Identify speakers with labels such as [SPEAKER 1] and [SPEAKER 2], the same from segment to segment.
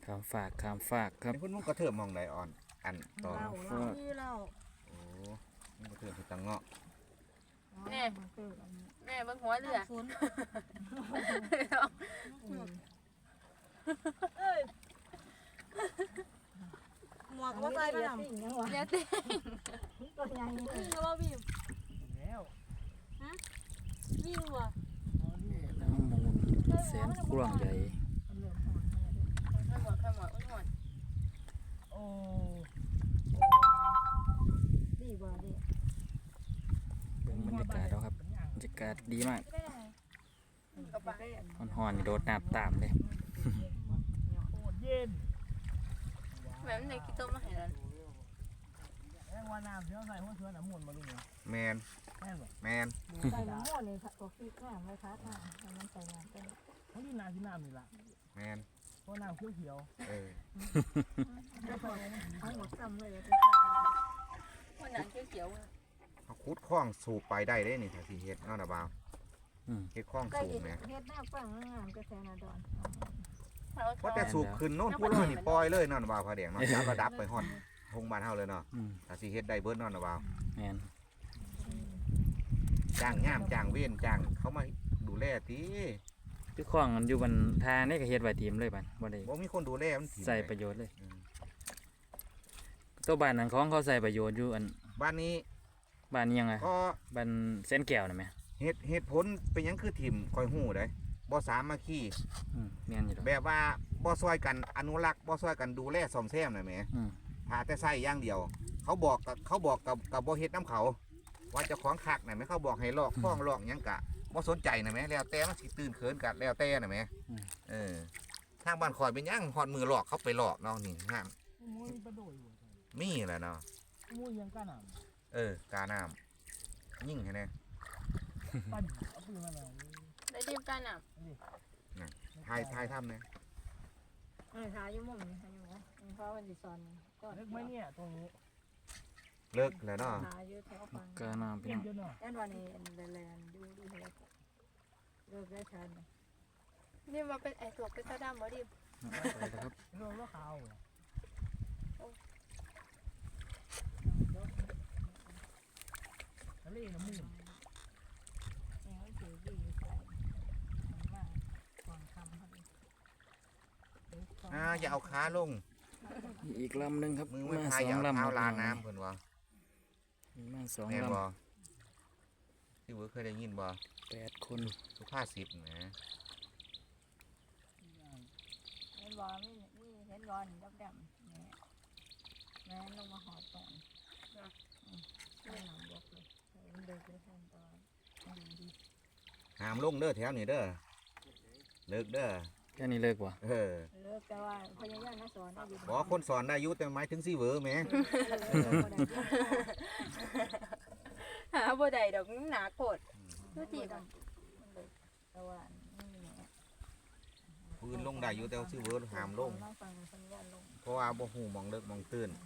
[SPEAKER 1] ข้ามฝากครับ
[SPEAKER 2] เพิ่นมันก็เทิมมองใดอ่อนอันต่อ
[SPEAKER 3] เราที่เรา
[SPEAKER 2] โอ้มันก็เทิมคือตังเงาะ
[SPEAKER 3] แม่แม่เบิ่งหัวเรือ
[SPEAKER 4] ศูนย์หมวกก็ใส่ไปนำ
[SPEAKER 3] เรือเต้ง
[SPEAKER 4] ตัวใหญ่
[SPEAKER 3] ก็ว่าบีบ
[SPEAKER 5] แล้ว
[SPEAKER 3] บีบว่ะ
[SPEAKER 1] น้ำมูลแสนกว้างใหญ่
[SPEAKER 3] ข้ามหมดหมด
[SPEAKER 5] โอ้
[SPEAKER 4] ดีบ่ดี
[SPEAKER 1] เบิ่งบรรยากาศแล้วครับบรรยากาศดีมาก
[SPEAKER 3] กระปะ
[SPEAKER 1] ฮ้อนๆนี่โดดน้ำตามเลย
[SPEAKER 5] โคตรเย็น
[SPEAKER 3] แม่มันได้กี่ต้มมาให้แล้ว
[SPEAKER 5] แม่งว่าน้ำเสียวใส่หัวเชือน้ำมันมาดูเนี่ย
[SPEAKER 2] แมน
[SPEAKER 5] แม่งแบบ
[SPEAKER 2] แมน
[SPEAKER 4] ใส่น้ำมันเลยค่ะตัวฟีแข็งเลยค่ะมันใส่น้ำเป็น
[SPEAKER 5] ทั้งที่น้ำที่น้ำนี่ล่ะ
[SPEAKER 2] แมน
[SPEAKER 5] เพราะน้ำเขียว
[SPEAKER 2] เออ
[SPEAKER 4] ทั้งหมดซ้ำเลย
[SPEAKER 3] มันหนังเขียว
[SPEAKER 2] เขาขุดคลองสูบไปได้เด้นี่ถ้าสิเฮ็ดเนาะนะบ่าว
[SPEAKER 1] อืม
[SPEAKER 2] เฮ็ดคลอง
[SPEAKER 4] ใกล้
[SPEAKER 2] สูบแหม
[SPEAKER 4] เฮ็ดหน้าฟังงามก็แซนาดอน
[SPEAKER 2] เพราะแต่สูบขึ้นโน่นผู้ร้อยนี่ปล่อยเลยเนาะนะบ่าวพระแดงเนาะจับระดับไปฮอดทงบ้านเฮาเลยเนาะ
[SPEAKER 1] อืม
[SPEAKER 2] ถ้าสิเฮ็ดได้เบิดเนาะนะบ่าว
[SPEAKER 1] แม่น
[SPEAKER 2] จ้างย่ามจ้างเว้นจ้างเขามาดูแลติ
[SPEAKER 1] คือของมันอยู่บนทางนี่ก็เฮ็ดไว้ทีมเลยบัดบ่ได้
[SPEAKER 2] บ่มีคนดูแลมันถิ่ม
[SPEAKER 1] ใส่ประโยชน์เลย
[SPEAKER 2] อืม
[SPEAKER 1] ตัวบ้านนั้นของเขาใส่ประโยชน์อยู่อัน
[SPEAKER 2] บ้านนี้
[SPEAKER 1] บ้านนี้ยังไง
[SPEAKER 2] ก็
[SPEAKER 1] บ้านเส้นแก้วน่ะแม่
[SPEAKER 2] เหตุผลเป็นหยังคือถิ่มคอยฮู้ได้บ่สามัคคี
[SPEAKER 1] แม่นอยู่ดอก
[SPEAKER 2] แบบว่าบ่ซอยกันอนุรักษ์บ่ซอยกันดูแลซ่อมแซมน่ะแหม
[SPEAKER 1] อืม
[SPEAKER 2] หาแต่ใส่อย่างเดียว เขาบอกกับบ่เฮ็ดน้ำเขา ว่าเจ้าของคักน่ะแหมเขาบอกให้ลอกฟ้องลอกหยังกะบ่สนใจน่ะแหมแล้วแต่มันสิตื่นเขินกันแล้วแต่น่ะแหมเออทางบ้านข่อยเป็นหยังฮอดมือลอกเขาไปลอกเนาะนี่ห้าม
[SPEAKER 5] ๆมูยประโดยอยู่
[SPEAKER 2] มีแหละเนาะ
[SPEAKER 5] มูยยังกล้าน้
[SPEAKER 2] กาน้ำยิ่งให้แน่
[SPEAKER 5] ำปั้นเอาปืนมาหน่อย
[SPEAKER 3] ได้ดิบกันอ่ะ
[SPEAKER 2] ทายทำแน่
[SPEAKER 4] ทาอยู่มุมนี่ทาอยู่เพราะวันที่สอนก็
[SPEAKER 5] เล็กไหมเนี่ยตรงนี้
[SPEAKER 2] เลิกแล้วเนาะ
[SPEAKER 4] ทาอยู่แถวฟัง
[SPEAKER 1] กาน้ำพี่
[SPEAKER 5] เย็น
[SPEAKER 1] น้อง
[SPEAKER 5] เยอะเนาะ
[SPEAKER 4] ยันวันนี้แลนดูดีเลิกได้ทัน
[SPEAKER 3] นี่มาเป็นไอตัวเป็นตาดำบ่ดิบ
[SPEAKER 1] ไปแล้วครับ
[SPEAKER 5] เรื่องว่าขาวทะเลน้ำมูล
[SPEAKER 4] แล้วถือดีใส่มาก่อนคำพอดี
[SPEAKER 2] อย่าเอาขาลง
[SPEAKER 1] อีกลำหนึงครับ
[SPEAKER 2] มือไม่
[SPEAKER 1] มา
[SPEAKER 2] พาย
[SPEAKER 1] ส
[SPEAKER 2] อ
[SPEAKER 1] อย่าง
[SPEAKER 2] เอา
[SPEAKER 1] ลำ
[SPEAKER 2] เท้า
[SPEAKER 1] ครับ
[SPEAKER 2] ลาน้ำเพิ่นว่า
[SPEAKER 1] มีมาสอง
[SPEAKER 2] แม่น
[SPEAKER 1] ล
[SPEAKER 2] บ่ที่เวิร์เคยได้ยินบ่
[SPEAKER 1] ำ8 คน
[SPEAKER 2] สุภาษิตนะ
[SPEAKER 4] เห็นบอลไม่เห็นบอลดำเนี่ยแม่ลงมาหอตอนไม่หนำบกเลยเดินไปทางตอนดี
[SPEAKER 2] ห้ามลงเด้อแถวนี้เด้อเลิกเด้อ
[SPEAKER 1] แค่นี้เลิกว่ะ
[SPEAKER 2] เออ
[SPEAKER 4] เลิกแต่ว่าพยายามมาสอนอยู่
[SPEAKER 2] บอกคนสอนได้อยุแต่หมายถึงสิเวอร์แหม
[SPEAKER 3] หาบ่ได้ดอกหนาโกดดูดิบ
[SPEAKER 4] แต่ว่านี่เนี่ย
[SPEAKER 2] พื้นลงได้อยู่แต่ว่าสิเวอร์ห้ามลง
[SPEAKER 4] ฟังสัญญาณลง
[SPEAKER 2] เพราะว่าบ่ฮู้หมองเลิกหมองตื่น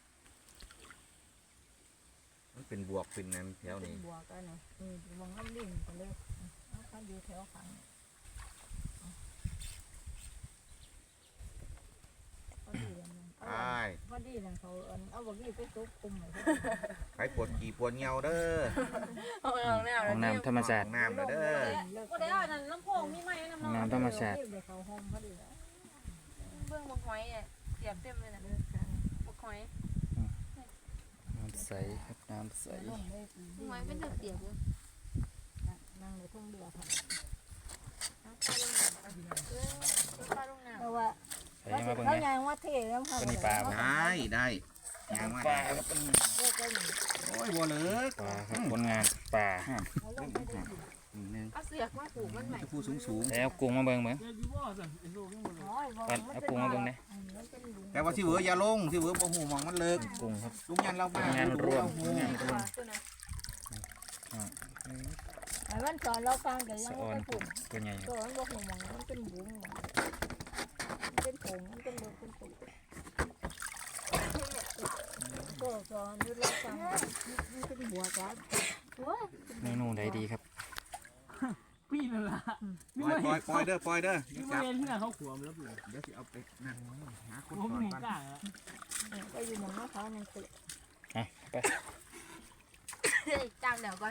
[SPEAKER 2] มันเป็นบวกเป็นนั้นแถวนี้
[SPEAKER 4] บัวกันเนาะมองน้ำดิ่งกันเลยเขาอยู่แถวขังพอดีเลย
[SPEAKER 2] ใช่
[SPEAKER 4] พอดีเลยเขาเอาบกี้ไปซุกคุมเลย
[SPEAKER 2] ใครปวดขี่ปวดเหี่ยวเด้อ
[SPEAKER 3] ห้องน้ำ
[SPEAKER 1] ห้องน้ำธรรมชาติ
[SPEAKER 2] ห้องน้ำเด้อ
[SPEAKER 4] ก็ได้นั่นลำโพงมีไหมน้ำ
[SPEAKER 1] ห้องน้ำธรรมชาติ
[SPEAKER 4] เขาห้องพอดีแล้ว
[SPEAKER 3] เบื้องบักหอยอ่ะเสียบเต็มเลยนะบักหอย
[SPEAKER 1] น้ำใสครับน้ำใส
[SPEAKER 3] บักหอยเป็นเสียบเลย
[SPEAKER 4] นั่งในทุ่งเดือดค่ะ
[SPEAKER 3] ปลาลงน้ำ
[SPEAKER 4] แต่ว่า
[SPEAKER 1] ไปยังมาเบิ่ง
[SPEAKER 4] เขา
[SPEAKER 1] เนี่ย
[SPEAKER 4] ยางว่าเท่แล้วค่ะ
[SPEAKER 1] ตัวนี้ปลาบ่
[SPEAKER 2] ได้ยังมาได้
[SPEAKER 4] เลิกได้หนึ่ง
[SPEAKER 2] โอ้ยบ่เลิก
[SPEAKER 1] ปลาครับผลงานปลา
[SPEAKER 4] เขาลงไม่ได้
[SPEAKER 2] นึง
[SPEAKER 3] เอาเสือกมาผูกมันใหม่
[SPEAKER 2] จะพูดสูง
[SPEAKER 1] แล้วกุ้งมาเบิ่งเบิ่ง
[SPEAKER 5] เดี๋ยวอยู่ว่าสั่นไอ้โซ่ขึ้นมาเลย
[SPEAKER 4] น้อย
[SPEAKER 1] เอากุ้งมาเบิ่งเนี่ย
[SPEAKER 2] ๆแต่ว่าสิเวอร์อย่าลงสิเวอร์บ่ฮู้หมองมันเลิก
[SPEAKER 1] กุ้งครับ
[SPEAKER 2] ลุงยันเรามา
[SPEAKER 1] งานรวม
[SPEAKER 2] ดู
[SPEAKER 1] งานรวม
[SPEAKER 3] ตัวนั้น
[SPEAKER 4] ไอ้วันสอนเราฟังแต่ยั
[SPEAKER 1] สะ
[SPEAKER 4] ง
[SPEAKER 1] ออ
[SPEAKER 4] ไม่
[SPEAKER 1] น
[SPEAKER 4] ผู
[SPEAKER 1] กุ้
[SPEAKER 4] ก
[SPEAKER 1] งตัวใหญ่ค
[SPEAKER 4] ตั
[SPEAKER 1] รับ
[SPEAKER 4] วมันบอกหัวมันมันเป็นบุ้งมันเป็นผงมันเป็นเบอร์เป็นปุ๋ยตัวสอนดูเราฟังมันเป็นหัวกัน
[SPEAKER 3] โอ้ย
[SPEAKER 1] เมนูใดดีครับ
[SPEAKER 5] พี่นั่นล่ะ
[SPEAKER 2] ปล่อยเด้อ
[SPEAKER 5] พี่
[SPEAKER 2] จับ
[SPEAKER 5] มาเห็นที่ไหนเขาขวมแล้วพี่
[SPEAKER 2] เดี๋ยวสิเอาไปนั่งหาคน
[SPEAKER 5] ผม
[SPEAKER 2] สอน
[SPEAKER 5] เห็น
[SPEAKER 2] ก่อน
[SPEAKER 5] กล้าแล้ว
[SPEAKER 4] ก็อยู่หมองเขานั่นสิ
[SPEAKER 1] อ่ะไป
[SPEAKER 3] จามเดี๋ยวก่อน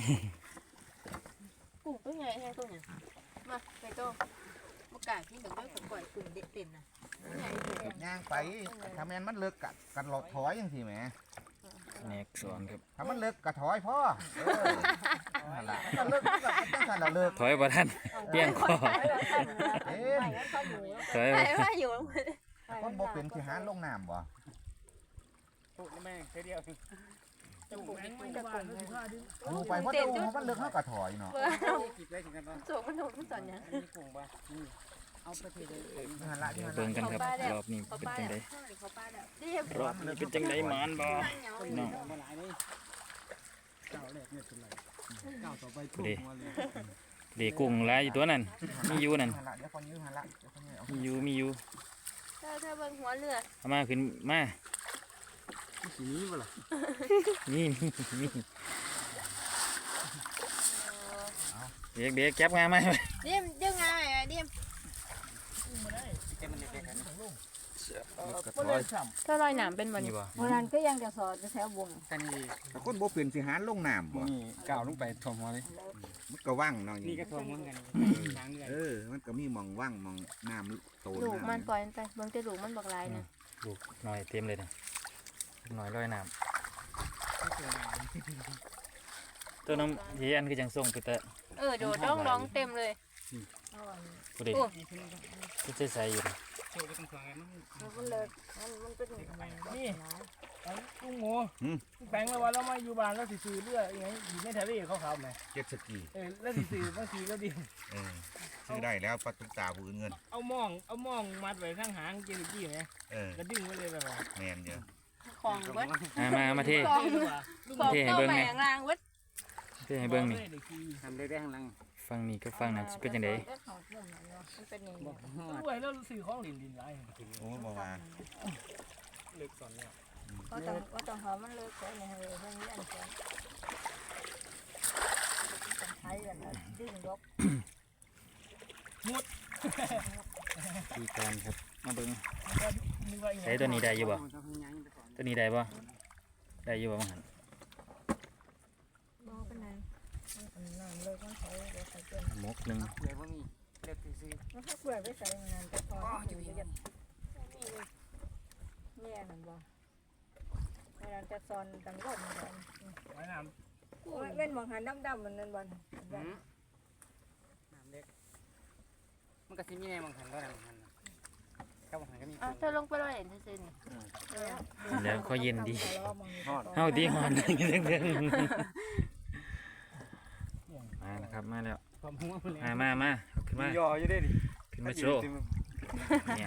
[SPEAKER 3] กุ้งตัวใหญ่แค่ตัวเนี่ยมาไปโต้มากาที่แบบไม่ปล่อยกุ้งเด็ดเต็มนะใหญ่เต็ม
[SPEAKER 2] ย่างไปถ้าแม่นมันเลิกกันหลอกถอยจังซี่แหม
[SPEAKER 1] แนกสอนครับ
[SPEAKER 2] ถ้ามันเลิกก็ถอยพ่อนั่นล่ะถ้าเลิกก็จังซั่นล่ะเลิก
[SPEAKER 1] ถอยบ่ทันเปี้ยงคอ
[SPEAKER 2] เอ๊ะ
[SPEAKER 1] ถอย
[SPEAKER 3] ไป
[SPEAKER 1] บ่
[SPEAKER 3] ว่าอยู่
[SPEAKER 2] คนบ่เป็นสิหาลงน้ำบ่
[SPEAKER 5] ถูกแม่แค่เดียวจะปลูกแม่งไม่บ้านแล้วสิพาดิ
[SPEAKER 2] อยู่ไปเพราะดูมันเลิกเฮาก็ถอยเนาะ
[SPEAKER 5] กินได้ถึงกันป่ะ
[SPEAKER 3] สูงมันถูกมันสอนยัง
[SPEAKER 5] นี่ปลูกป่ะนี่เอาไปเทเลย
[SPEAKER 2] นั่นล่ะ
[SPEAKER 1] เดี๋ยวเบิ่งกันครับรอบนี้
[SPEAKER 3] เขา
[SPEAKER 1] เป็น
[SPEAKER 3] ป้า
[SPEAKER 1] จัง
[SPEAKER 3] แล้
[SPEAKER 1] ได
[SPEAKER 3] วเขาป้าแล้วเรียบ
[SPEAKER 1] รอบนี้เป็นจังไดหมานบ่พี่น้อง
[SPEAKER 5] มาหลายเลยเก้าแรกเนี่ยเป็นไรเก้าต่อไปถูกมาเลย
[SPEAKER 1] เด็กกุ้งหลายอยู่ตัวนั้นมีอยู่นั่น
[SPEAKER 2] นั่นล่ะเดี๋ยวคนยืนหั่นล่ะเดี๋ยวคนยืนเอา
[SPEAKER 1] มีอยู่
[SPEAKER 3] ถ้าเบิ่งหัวเรือ
[SPEAKER 1] เอามาขึ้นมา
[SPEAKER 5] สีนี้ป่ะล่ะ
[SPEAKER 1] นี่เด็กแก็บงามา
[SPEAKER 3] เรียมเรื่องไงเรียม
[SPEAKER 5] แกมันเด็กๆกัน
[SPEAKER 2] ก็ถอย
[SPEAKER 3] ถ้าลอยหนามเป็นวัน
[SPEAKER 1] นี่
[SPEAKER 3] นี้
[SPEAKER 1] บ่
[SPEAKER 4] โบราณก็ยังจะสอดจะแถววง
[SPEAKER 5] กันนี่
[SPEAKER 2] แต่คนบ่เป็นสิหาลงน้ำบ่
[SPEAKER 5] นี่ก้าวลงไปถ่วมหัวเลย
[SPEAKER 2] มันก็ว่างเนาะ
[SPEAKER 5] นี่ก็ถ่วมเหมือนกันทางเรือ
[SPEAKER 2] มันก็มีหม่องว่างหม่องน้ำโต
[SPEAKER 3] ลูกมัน
[SPEAKER 2] ำ
[SPEAKER 3] ปล่อยมันไปเบิ่งแต่ลูกมันบอกลายนะ
[SPEAKER 1] ลูกหน่อยเต็มเลยนะหน่อยลอยน้ำตัวน้ำเฮียนคือจังส่งไปแต่
[SPEAKER 3] โดดร้องเต็มเลย
[SPEAKER 1] ผู้ใดก็ใส่อยู่นะ
[SPEAKER 5] โชว์ไปตรงกลางมัน
[SPEAKER 4] มันเลิกมันเป็น
[SPEAKER 5] นี่ลุงหมูแปลงไว้ว่าเรามาอยู่บ้านแล้วสิซื้อเรือยังไงอยู่ในทะเลเขาขับไหม
[SPEAKER 2] เจ็ตสกี
[SPEAKER 5] แล้วสิซื้อบางทีก็ดี
[SPEAKER 2] ซื้อได้แล้วปลาตุ๊กตาผู้อื่นเงิน
[SPEAKER 5] เอามองมัดไว้ข้างหางเจนิกี้ไหมแล้วดึงไว้เลยแบบว่า
[SPEAKER 2] แมนเยอะ
[SPEAKER 3] ของเบิด
[SPEAKER 1] มาเท
[SPEAKER 3] ของ
[SPEAKER 1] เทให้เบิ่ง
[SPEAKER 3] แห
[SPEAKER 1] แหน่
[SPEAKER 3] งรางเบิด
[SPEAKER 1] เทให้เบิ่งนี่
[SPEAKER 5] ทำได้ข้างหลัง
[SPEAKER 1] ฟังนี่ก็ฟังนั่นสิเป็นจังได๋
[SPEAKER 3] มันเป็นอย่างนี้
[SPEAKER 5] ด้วยแล้วซื้อของดินไร
[SPEAKER 2] โอ้บอกว่า
[SPEAKER 5] เล็กสอนเนี่ย
[SPEAKER 4] ก็ต้องหอมมันเลิกแต่ในเรือพวกนี้อันเดียวต้องใช้กันดึงยก
[SPEAKER 1] ที่การครับมาเบิ่งใช้ตัวนี้ได้อยู่บ่ตัวนี้ได้บ่ได้อยู่บ่มันหัน
[SPEAKER 4] มองเป็นไงนั่นเลิกมันใช้เดี๋ยวใส่เกิน
[SPEAKER 1] หมกหนึง
[SPEAKER 5] เกลือพวกนี้เลือกซื้อ
[SPEAKER 4] มันถ้าเกลือไปใส่งานจะพออยู่เยอะเนี่ยนั่นบ่เวลาจะซอนตังรถมัน
[SPEAKER 5] ไว้น้
[SPEAKER 4] เว้นมองหันดำๆมันนั่นบ่
[SPEAKER 5] ำน้ำเล็กมันก็สิมีในบางหันก็ในบางหันก็บางหันก็มี
[SPEAKER 3] เธอลงไปลอยเห็นซื่อๆนี่
[SPEAKER 1] แล้วเขาเย็นดีเฮาดีฮอนจังมานะครับมาแล้ว
[SPEAKER 5] ความหัวมันเลย
[SPEAKER 1] มาขึ้นมา
[SPEAKER 5] ย่ออยู่ได้ดิ
[SPEAKER 1] ขึ้นมาโชว์เนี่ย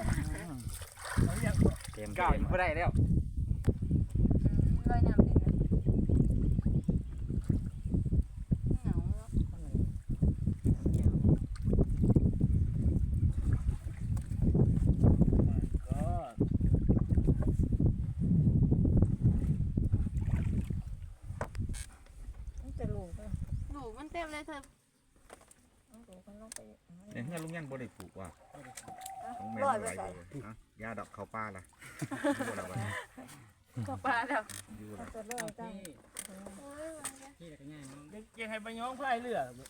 [SPEAKER 1] เต็ม
[SPEAKER 5] ก้าวอยู่ไม่ได้แล้ว
[SPEAKER 3] ลอยน้ำเลยเหงาเนาะ
[SPEAKER 4] จะลูก
[SPEAKER 3] ลูกมันเต็มเลยเธอ
[SPEAKER 4] ลูกมันลงไป
[SPEAKER 2] เนี่ยเงินลุงยันบ่ได้ปลูกว่ะของแม่
[SPEAKER 4] ร้อย
[SPEAKER 2] ไว้
[SPEAKER 4] ไปใส่
[SPEAKER 2] ยาดอกข้าวปลาล่ะอยู่แล้ววะ
[SPEAKER 3] ก็ปลาแล้ว
[SPEAKER 2] อยู่แล้ว
[SPEAKER 4] จะเลิกจัง
[SPEAKER 5] ที่ก็ง่ายมั้งยังให้ไปย้อมพายเรือ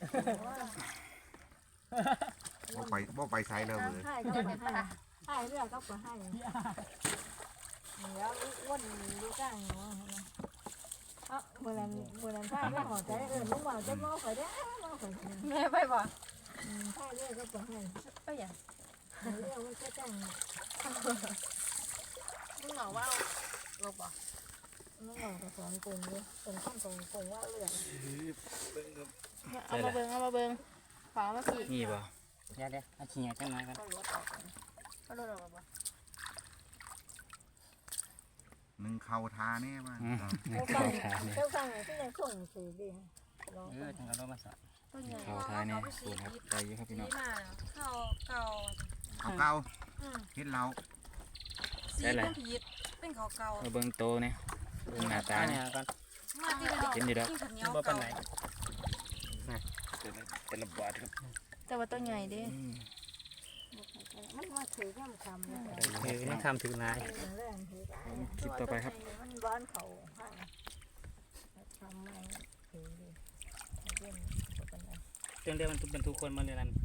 [SPEAKER 2] บ่ไปไซเลยเลย
[SPEAKER 4] ให้ก็ไปให้เรื่องก็ไปให้แล้ววนดูจ้างเนาะเมื่อนั้นผ้าไม่หอใจลูกบ่าวจะมอข่อยได้มอข่อย
[SPEAKER 3] แม่ไปบ่
[SPEAKER 4] ผ้าเรื่องก็ไปให้
[SPEAKER 3] ไปอย่าง
[SPEAKER 4] เรื่องมันก็จ้าง
[SPEAKER 3] มึงเหงาว่าลูกบ่
[SPEAKER 4] น้องบอกกับสอนกลุ่มเลยเป็นข้ามตรงกลุ่มว่าเรื่อง
[SPEAKER 3] เอามาเบิ่งขวามาสิ
[SPEAKER 1] นี่บ่
[SPEAKER 5] เดี๋ยวอาชีพจังไรกัน
[SPEAKER 3] ก็รถออกก็รถออกบ่
[SPEAKER 2] หนึ่งเข่าทาแน่ว่า
[SPEAKER 4] เจ้าฟังที่ยังส่งสื่อดี
[SPEAKER 5] จังก็รถมาสอน
[SPEAKER 3] ต้นใหญ่
[SPEAKER 1] เข้าท้ายเนี่ยสูงครับได้อยู่ครับพี่น้อง
[SPEAKER 3] มาเข้าเก่า
[SPEAKER 2] เอาเก่าเฮ็ดเรา
[SPEAKER 3] สีเป็นผิดเป็นเขาเก่า
[SPEAKER 1] มาเบิ่งโตเนี่ยเบิ่งหน้าตาเนี่ย
[SPEAKER 5] ก่อน
[SPEAKER 3] มาที่เดียว
[SPEAKER 1] เห็นดีแล้ว
[SPEAKER 3] กินข้าวเหนียว
[SPEAKER 5] บ่ปาน
[SPEAKER 3] เก่า
[SPEAKER 5] ไหน
[SPEAKER 1] แต่ละบาทครับ
[SPEAKER 3] แต่ว่าตัวใหญ่เด้มันมาถือย่ำคำเลย
[SPEAKER 5] ยังทำถึงนาย
[SPEAKER 4] แรงถือ
[SPEAKER 1] คลิปต่อไปครับ
[SPEAKER 4] มันบ้านเขาให้ทำไม่ถือดิเล่นก็เป็นไร
[SPEAKER 5] เรื่องเดียวมันเป็นทุกคนมาเลยนั่น